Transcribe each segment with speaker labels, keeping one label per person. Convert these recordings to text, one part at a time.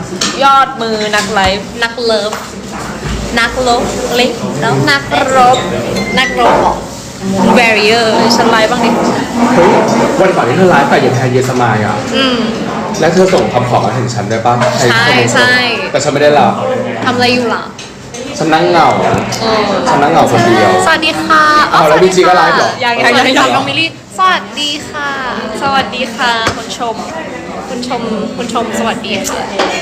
Speaker 1: ยอดมือนักไลฟ์นักเลิฟนักลบเล็กแล้วนักรบของ barrier ฉันไลฟ์บ้างดิ
Speaker 2: เฮ้ยวันก่อนที่เธอไลฟ์แต่ยังแทนเยสมายอ่ะแล้วเธอส่งคำขอมาถึงฉันได้ป่ะ
Speaker 1: ใช่
Speaker 2: แต่ฉันไม่ได้รับ
Speaker 1: ทำอะไรอยู่ล่ะ
Speaker 2: ฉันนั่งเหงาฉันนั่งเหงาคนเดียว
Speaker 1: สวัสดีค่ะ
Speaker 2: แล้วพี่จีก็ไลฟ์เหรอ
Speaker 1: ยังน้องมิลลี่สวัสดีค่ะสวัสดีค่ะคุณชมสวัสดีค่ะ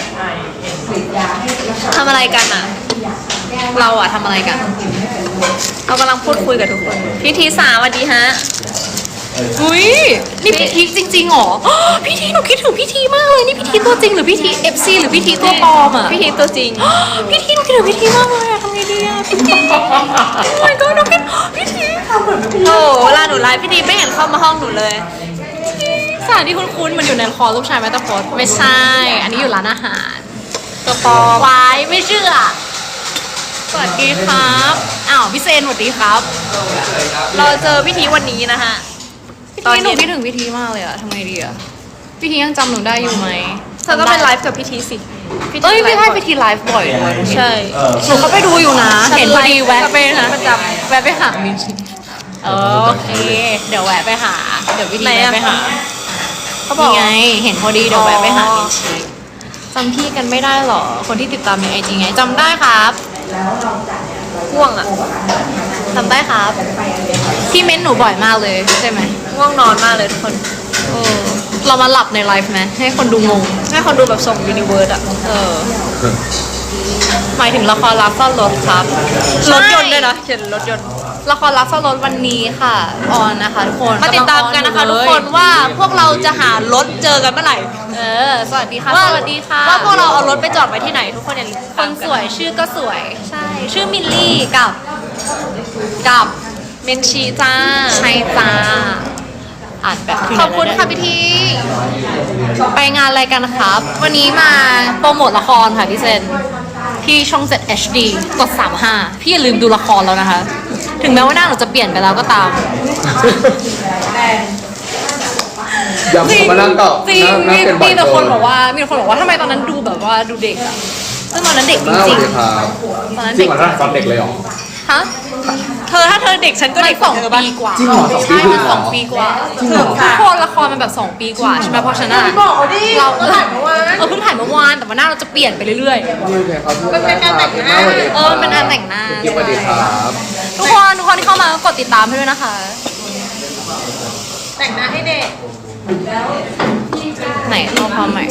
Speaker 1: ทำอะไรกันอ่ะเราอ่ะทำอะไรกันเรากำลังพูดคุยกับทุกคนพี่ทีสาสวัสดีฮะอุ้ยนี่พี่ทีจริงๆหรอพี่ทีหนูคิดถึงพี่ทีมากเลยนี่พี่ทีตัวจริงหรือพี่ที FC หรือพี่ทีตัวปลอมอ่ะพี่ทีตัวจริงพี่ทีหนูคิดถึงพี่ทีมากเลยอะทำไงดีอะพี่ทีโอ้ยก็หนูคิดพี่ทีโอ้เวลาหนูไลฟ์พี่ทีไม่เห็นเข้ามาห้องหนูเลยสถานที่คุ้นๆมันอยู่ในคอลูกชายแมตตาพอดไม่ใช่อันนี้อยู่ร้านอาหารตัวปลอมวายไม่เชื่อสวัสดีครับอ้าวพี่เซนสวัสดีครับเราเจอพี่ทีวันนี้นะฮะตอนนี้หนูคิดถึงพี่ทีมากเลยอะทำไงดีอะพี่ทียังจำหนูได้อยู่ไหมเธอก็ไปไลฟ์กับพี่ทีสิพี่ทีไลฟ์บ่อยด้วยใช่หนูเขาไปดูอยู่นะเห็นพอดีแวะไปนะประจำแวะไปหามินโอเคเดี๋ยวแวะไปหาเดี๋ยวพี่ทีแวะไปหาเขาบอกไงเห็นพอดีเดี๋ยวแวะไปหามินชีจำพี่กันไม่ได้หรอคนที่ติดตามในไอจีไงจำได้ครับง่วงอะจำได้ครับพี่เม้นหนูบ่อยมากเลยใช่ไหมง่วงนอนมากเลยทุกคนเรามาหลับในไลฟ์ไหมให้คนดูงงให้คนดูแบบส่งยูนิเวิร์สอะหมายถึงละครรักซ่อนรถครับรถยนต์ด้วยนะเขียนรถยนต์ละครรักซ่อนรถวันนี้ค่ะออนนะคะทุกคนมาติดตามกันนะคะทุกคนว่าพวกเราจะหารถเจอกันเมื่อไหร่สวัสดีค่ะสวัสดีค่ะว่าพวกเราเอารถไปจอดไว้ที่ไหนทุกคนอย่าลืมคนสวยชื่อก็สวยใช่ชื่อมิลลี่กับเมนชีจ้าใช่จ้าอ่านแบบขอบคุณค่ะพี่ทีไปงานอะไรกันครับวันนี้มาโปรโมทละครค่ะพี่เซนที่ช่อง 7 HD กด 35พี่อย่าลืมดูละครแล้วนะคะถึงแม้ว่าหน้าเราจะเปลี่ยนไปแล้วก็ตาม
Speaker 2: ยังมานั่งต่อ
Speaker 1: จริงมีแต่คนบอกว่าทำไมตอนนั้นดูแบบว่าดูเด็กอะซึ่งตอนนั้นเด็กจริง
Speaker 2: ตอนนั้นเด็กตอนเด็กเลยหรอ
Speaker 1: ฮะถ้าเธอเด็กฉันก็เด็ก2 ปีกว่า
Speaker 2: จริงเหรอ
Speaker 1: ใช่มัน2 ปีกว่าทุกคนละครมันแบบ2 ปีกว่าใช่ไหมเพราะฉะนั้นเราเพิ่งถ่ายเมื่อวานแต่ว่าหน้าเราจะเปลี่ยนไปเรื่อย
Speaker 2: ๆมันเป็นการแต่งหน้า
Speaker 1: เป็นการแต่งหน้า
Speaker 2: สวัสดีครับ
Speaker 1: ทุกคนที่เข้ามากดติดตามให้ด้วยนะคะแต่งหน้าให้เด็กไหนเอาความใหม่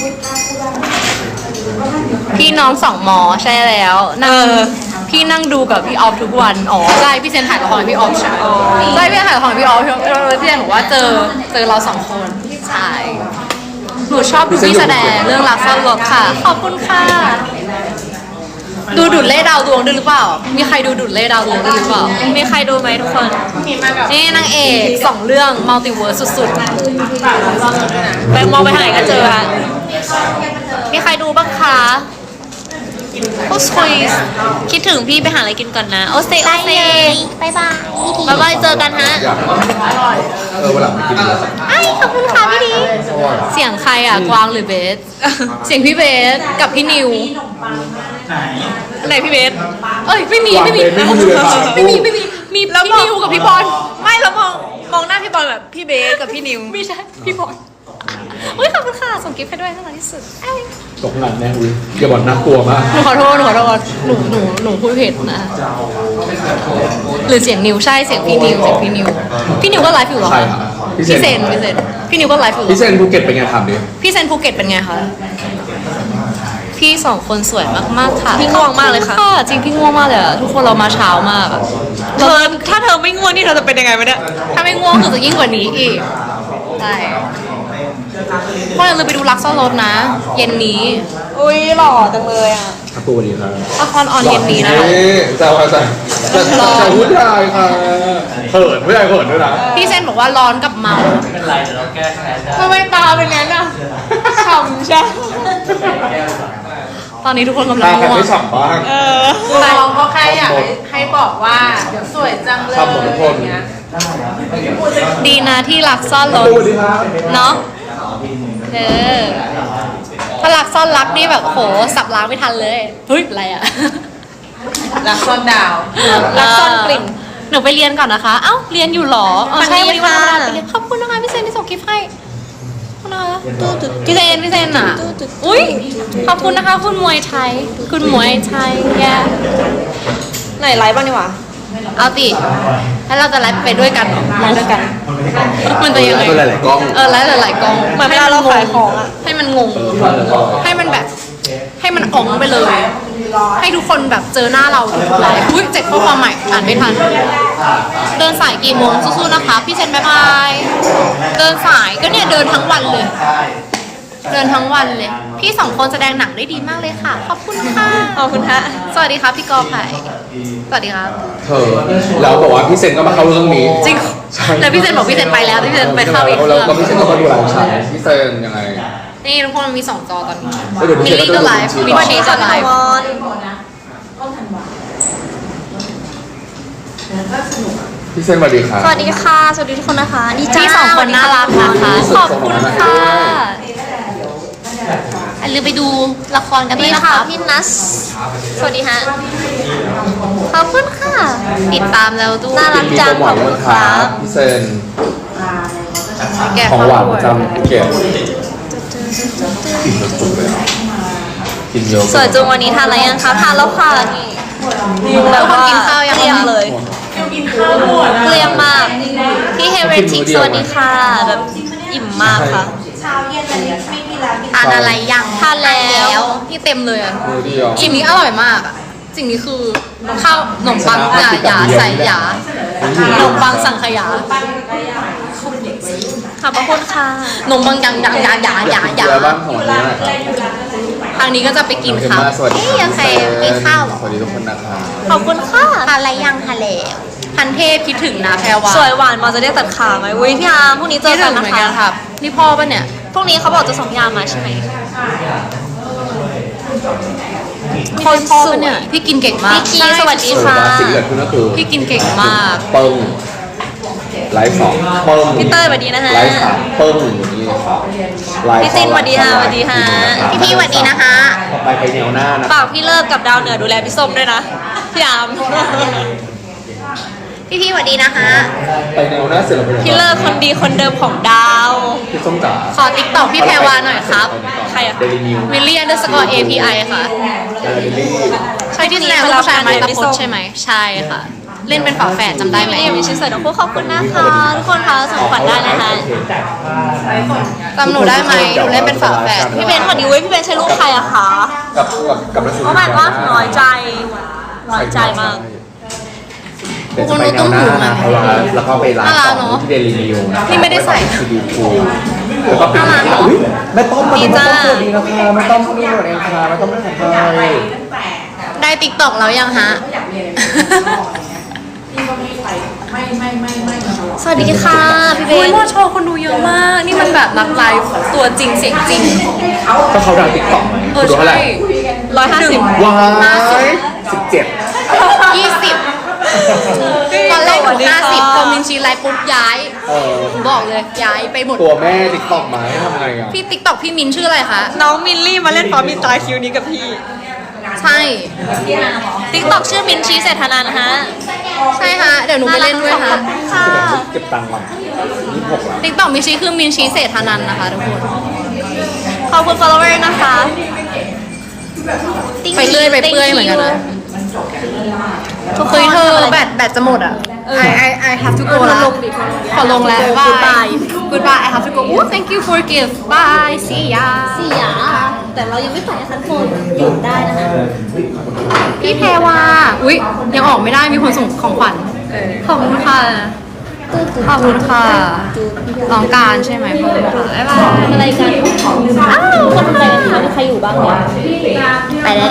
Speaker 1: พี่น้อง2 มอใช่แล้วพี่นั่งดูกับพี่ออฟทุกวันใช่พี่เซนถ่ายละครกับพี่ออฟใช่พี่ถ่ายละครกับพี่ออฟพี่เซนบอกว่าเจอเรา2 คนใช่หนูชอบดูพี่แสดงเรื่องรักซ่อนรถค่ะขอบคุณค่ะดูดุดเล่ดาวดวงด้วยหรือเปล่ามีใครดูดุดเล่ดาวดวงด้วยหรือเปล่ามีใครดูไหมทุกคนนี่นางเอก2 เรื่องมัลติเวิร์สสุดๆไปมองไปทางไหนก็เจอค่ะมีใครดูบ้างคะโอ้สวยคิดถึงพี่ไปหาอะไรกินก่อนนะโอเซบายบายเจอกันฮะ
Speaker 2: วันหลังไปกินเลย
Speaker 1: ขอบคุณค่ะพี่ดีเสียงใครอ่ะกวางหรือเบสเสียงพี่เบสกับพี่นิวไหนพี่เบสไม่มีมีพี่นิวกับพี่บอลไม่แล้วมองหน้าพี่บอลแบบพี่เบสกับพี่นิวไม่ใช่พี่บอลขอบคุณค่ะส่งกิฟต์ให้ด้วยน่ารักที่สุด
Speaker 2: ตกงานแน่อุ้ยอย่าบอกน่ากลัวมาก
Speaker 1: หนูขอโทษหนูพูดผิดนะหรือเสียงนิวใช่เสียงพี่นิวพี่นิวก็ไลฟ์อยู่หรอ
Speaker 2: ใช่ค่ะ
Speaker 1: พี่เซนพี่นิวก็ไลฟ์อยู่
Speaker 2: พี่เซนภูเก็ตเป็นไงถามดิ
Speaker 1: พี่เซนภูเก็ตเป็นไงคะพี่2 คนสวยมากๆค่ะพี่ง่วงมากเลยค่ะจริงพี่ง่วงมากเลยทุกคนเรามาเช้ามากถ้าเธอไม่ง่วงนี่เธอจะเป็นยังไงวะเนี่ยถ้าไม่ง่วงคือจะยิ่งกว่านี้อีกใช่พวกเราเลยไปดูรักซ่อนรถนะเย็นนี้อุ้ยหล่อจังเลยอ่ะ
Speaker 2: ครับตัวนี้ครับ
Speaker 1: ละครออนเย็นนี้นะคะ
Speaker 2: จะพูดได้ค่ะเขินไม่ได้เขินด้วยนะ
Speaker 1: พี่เซนบอกว่าร้อนกับเมา
Speaker 3: ไม่เป็นไรเดี๋ยวเราแก้ไขได้
Speaker 1: ทำไมตาเป็นงั้นอ่ะฉ่ำใช่ตอนนี้ทุกคนกำลังง่วง
Speaker 2: ไม่ฉ่ำบ้าง
Speaker 4: แต่เราก็แค่อยากให้บอกว่าเดี๋ยวสวยจังเลยอย่างเงี้ย
Speaker 1: ดีนะที่รักซ่อนรถเนาะถ้ารักซ่อนรักนี่แบบโหสับล้างไม่ทันเลยเฮ้ยอะไรอะ
Speaker 4: รักซ่อนดาว
Speaker 1: รักซ่อนกลิ่นหนูไปเรียนก่อนนะคะเอ้าเรียนอยู่หรอใช่วันนี้วันธรรมดาไปเรียนขอบคุณนะคะพี่เซนที่ส่งคลิปให้ขอบคุณนะคะพี่เซนอ่ะอุ้ยขอบคุณนะคะคุณมวยไทยคุณมวยไทยแกไหนไลฟ์บ้างดีกว่าเอาติแล้วเราจะไลฟ์ไปด้วยกันเหรอไลฟ์ด้วยกันมันจะยังไง
Speaker 2: ตัวหลายๆกล้อง
Speaker 1: ไลฟ์หลายๆกล้องเหมือนเวลาเราขายของอะให้มันงงให้มันแบบให้มันอ๋องไปเลย ให้ทุกคนแบบเจอหน้าเราทุกไลฟ์อุ้ย7ข้อความใหม่อ่านไม่ทันเดินสายกี่โมงสู้ๆนะคะพี่เซนบ๊ายบายเดินสายก็เนี่ยเดินทั้งวันเลย เดินทั้งวันเลย พี่สองคนแสดงหนังได้ดีมากเลยค่ะ ขอบคุณค่ะ ขอบคุณค่ะ สวัสดีครับพี่กอไผ่สวัสดีครับ
Speaker 2: เธอเราบอกว่าพี่เซนก็มาเข้าเรื่องนี้
Speaker 1: จริง
Speaker 2: ใช่
Speaker 1: แล้วพี่เซนบอกพี่เซนไปแล้วพี่เซนไปเข้าอีกเค
Speaker 2: แล้
Speaker 1: รื่
Speaker 2: ว
Speaker 1: อง
Speaker 2: ก็พี่เซนก็มาดูหลังฉากพี่เซนยังไง
Speaker 1: นี่ทุกคนมันมี2 จอตอนนี้
Speaker 2: แล้วเดี๋ยวพี่
Speaker 1: มิล
Speaker 2: เซน
Speaker 1: ลี่
Speaker 2: ก็
Speaker 1: ก็
Speaker 2: จะ
Speaker 1: ไลฟ์
Speaker 2: ดู
Speaker 1: มิลลี่ก็ไลฟ์
Speaker 2: พี่เซนสวัสดีครับ
Speaker 3: สวัสดีค่ะ สวัสดีทุกคนนะคะดีจ้า
Speaker 1: พี่สองคนน่ารักนะคะ ขอบคุณค่ะอย่าลืมไปดูละครกันด้วย
Speaker 3: นี่
Speaker 1: นะ
Speaker 3: ค่ะ
Speaker 1: คะ
Speaker 3: พี่นัสสวัสดีฮะขอบคุณค่ะ
Speaker 1: ติดตามแล้วด้วย
Speaker 3: น่ารัก
Speaker 2: มี
Speaker 3: จัง
Speaker 2: โปรโม
Speaker 3: ขอ
Speaker 2: ท
Speaker 3: บ
Speaker 2: ด้
Speaker 3: คุ
Speaker 2: วย
Speaker 3: ณ
Speaker 2: ค
Speaker 3: ค
Speaker 2: รั
Speaker 3: รั
Speaker 2: บบ พี่เซน
Speaker 1: แกะ
Speaker 2: ของหวาน
Speaker 1: ข้
Speaker 2: ประจำภูเก็ตกินจุกๆเลยอ่ะกินเยอะ
Speaker 3: สวยจุงวันนี้ทานอะไรยังคะทานแล้วค่ะนี่แบบว่า
Speaker 1: กินข้าวยัง
Speaker 3: เกลี้ยง
Speaker 1: คะ
Speaker 3: เลยเกลี้ยงมากพี่เฮเรติกสวัสดีค่ะแบบอิ่มมากค่ะ
Speaker 1: ทานอะไรยัง
Speaker 3: ทานแล้ว
Speaker 1: ที่เต็มเลยอะ
Speaker 2: มือเดียว
Speaker 1: สิ่งนี้อร่อยมากอะสิ่งนี้คือข้าวขนมปังหยาใส่หยาขนมปังสังขยา
Speaker 3: ขอบพระคุณค่ะ
Speaker 1: ขนมปังยังหยา
Speaker 2: อยากกินอะไรบ้างของวันนี้หน่อยครับ
Speaker 1: ทางนี้ก็จะไปกิน
Speaker 2: โอเค
Speaker 1: ข้าว
Speaker 2: มากสวัสดี
Speaker 1: เอ๊ะยังใครกินข้าวเหรอ
Speaker 2: สวัสดีทุกคนนะครับ
Speaker 3: ขอบคุณค่ะ
Speaker 1: ทานอะไรยังทานแล้วพันเทพคิดถึงนะแพรวา
Speaker 3: สวยหวานมาจะได้ตัดขาไหมอุ้ยพี่อาร์มพรุ่งนี้เจ
Speaker 1: คิ
Speaker 3: อ
Speaker 1: ด
Speaker 3: กั
Speaker 1: ถึ
Speaker 3: น
Speaker 1: ง
Speaker 3: นะ
Speaker 1: เหมือน
Speaker 3: คะ
Speaker 1: กันครับนี่พ่อปะเนี่ย
Speaker 3: พรุ่งนี้เขาบอกจะส่งยามาใช่ไหม
Speaker 1: คนพ่อปะเนี่ยพี่กินเก่งมาก
Speaker 3: พี่คีสวัสดี
Speaker 2: สวย
Speaker 3: ค่ะ
Speaker 2: มากสิ่งที่เกิดขึ้นก็คือ
Speaker 1: พี่กินเก่งมาก
Speaker 2: ปึ้งไลฟ์2ปึ้ง
Speaker 3: พี่เต้ยสวัสดีนะฮะ
Speaker 2: ไลฟ์3ปึ้งอย่างนี้เลยครับไลฟ์
Speaker 3: พี่จินสวัสดีค่ะสวัสดีค่ะ
Speaker 1: พี่สวัสดีนะคะ
Speaker 2: ต่อไปไปแนวหน้านะ
Speaker 3: ฝากพี่เลิกกับดาวเหนือดูแลพี่ส้มด้วยนะ พี่อาร์ม
Speaker 1: พี่สวัสดีนะคะ
Speaker 2: ไปแนวหน้าเสร็จแล้วไปไหน
Speaker 3: พี่เลิกคนดีคนเดิมของดาว
Speaker 2: พี่ส้มจ๋า
Speaker 1: ขอติ๊กต็อกพี่แพรวาหน่อยครับ
Speaker 3: ใครอะ
Speaker 2: เดลินิว
Speaker 1: วิลเลียน_API ค่ะ
Speaker 2: เดลิลี่
Speaker 1: ใช่ที่แสดงลูกผู้ชายไม้ตะพดใช่ไหมใช่ค่ะ เล่นเป็นฝาแฝดจำได้ไหม
Speaker 3: พี่มีชิ้นเสริมน้องคู่ขอบคุณนะคะ ทุกคนคะส่งขวัญได้นะคะ
Speaker 1: จำหนูได้ไหมหนูเล่นเป็นฝาแฝด
Speaker 3: พี่เบนสวัสดีเว้ยพี่เบนใช้รูปใครอะคะ
Speaker 2: กับนักแสดง
Speaker 3: เพราะมันว่าน้อยใจน้อยใจมาก
Speaker 2: เดี๋ยวจะไปแนวหน้านะเพราะว่าแล้วก็ไปไลฟ์ต่อที่เดลินิวนะ
Speaker 1: พี่ไม่ได้ใส่
Speaker 2: ซีดีคูแล้วก็เป็นอุ้ยแม่ต้อมมา
Speaker 3: ดี
Speaker 2: แม่
Speaker 3: จ้า
Speaker 2: ต้อมสวัสดีนะคะแม่ต้อมนี่หมดเองค่ะแม่ต้อมไม่ของใคร
Speaker 1: ได้ติ๊กต็อกแล้วยังฮะ
Speaker 3: สวัสดีค่ะพี่เบ
Speaker 1: โอ้ย
Speaker 3: น
Speaker 1: มอโชว์คนดูเยอะมาก นี่มันแบบนักไลฟ์ตัวจริงเสียงจริง
Speaker 2: ก็เขาดังติ๊กต็อกไหม
Speaker 1: เอ
Speaker 2: คุ
Speaker 1: อ
Speaker 2: ณดูเท่าไหร่
Speaker 1: ใช่150
Speaker 2: ว้าย17
Speaker 1: 20ตอนแรกหนู50พอมินชีไลฟ์ปุ๊บย้าย บอกเลยย้ายไปหมด
Speaker 2: ตัวแม่ติ๊กต็อกมาให้ทำไงอ่ะ
Speaker 1: พี่ติ๊กต็อกพี่มินชื่ออะไรคะ
Speaker 3: น้องมินลี่มาเล่นฟอร์มินตาคิวนี้กับพี่
Speaker 1: ใช่
Speaker 3: ติ๊กต็อกชื่อมินชีเศรษฐานันท์ฮะ
Speaker 1: ใช่ฮะเดี๋ยวหนูไปเล่นด้วยค่ะ
Speaker 3: ค่ะ
Speaker 2: เก็บตังค์ก่อน26แล้ว
Speaker 1: ติ๊กต็อกมินชีคือมินชีเศรษฐานันท์นะคะทุกคน
Speaker 3: ขอบคุณ follower นะคะ
Speaker 1: ไปเรื่อยไปเปื่อยเหมือนกันนะเฮ้ยเธอแบตจะหมดอ่ะ I have to go แล้วขอลงแล้ว bye goodbye I have to go oh thank you for gift bye see ya
Speaker 3: เสียแต่เรายังไม่ใส่คันโฟนหยุดได้นะคะ
Speaker 1: พี่แพรวาอุ๊ยยังออกไม่ได้มีคนส่งของขวัญขอบคุณค่ะขอบคุณค่ะน้องการใช่ไหมขอบคุณค่ะบ๊ายบาย
Speaker 3: อะไรกันอ้าวคนไปกันคะมีใครอยู่บ้างเนี่ยไปแล้ว